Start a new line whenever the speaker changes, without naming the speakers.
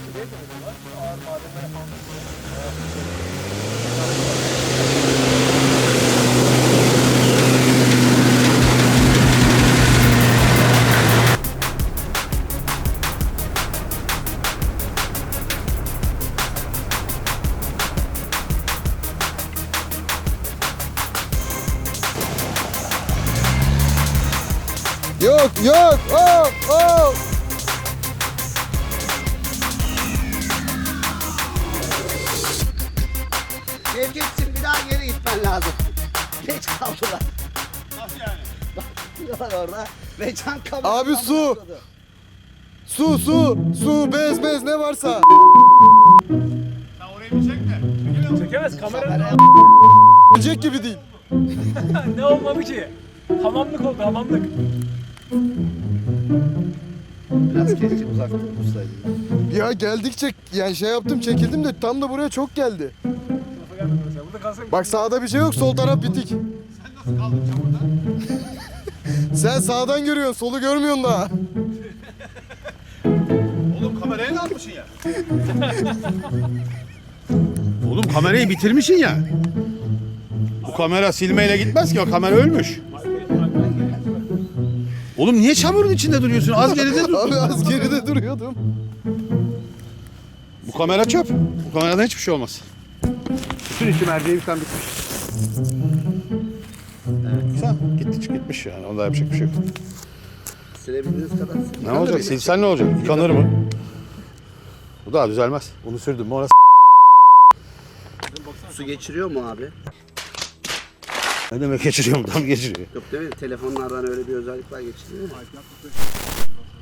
Ağır malzemeler falan.
Yok yok. Oh oh.
Sevgitsin bir daha geri gitmen lazım. Geç kaldılar.
Nasıl yani?
Bakıyorlar orada. Ve can kamerası.
Abi su. Su bez ne varsa.
Sen orayı bir çek de.
Çekemez kamera.
Gelecek gibi değil.
Ne olmadı ki? Hamamlık oldu hamamlık.
Biraz keşke uzak dursaydım.
Ya geldikçe yani şey yaptım çekildim de tam da buraya çok geldi.
Tarafa gelmedi mesela. Burada kalsak.
Bak sağda bir şey yok, sol taraf bitik.
Sen nasıl kaldın çamurda?
Sen sağdan görüyorsun, solu görmüyorsun daha.
Oğlum kameraya ne almışsın ya? Oğlum kamerayı bitirmişsin ya. Bu kamera silmeyle gitmez ki, o kamera ölmüş. Oğlum niye çamurun içinde duruyorsun? Az geride dur.
Abi az geride duruyordum.
Bu kamera çöp. Bu kameradan hiçbir şey olmaz. Bütün içi merceği bitmiş. Güzel. Gitmiş yani. Onda yapacak bir şey yok.
Sürebildiğiniz kadar.
Ne olacak? Silsen ne olacak? Yıkanır mı? Bu daha düzelmez. Bunu sürdüm mü orası.
Su geçiriyor mu abi?
Ne demek geçiriyor mu? Tam geçiriyor.
Yok değil mi? Telefonlardan öyle bir özellik var, geçiriyor mu?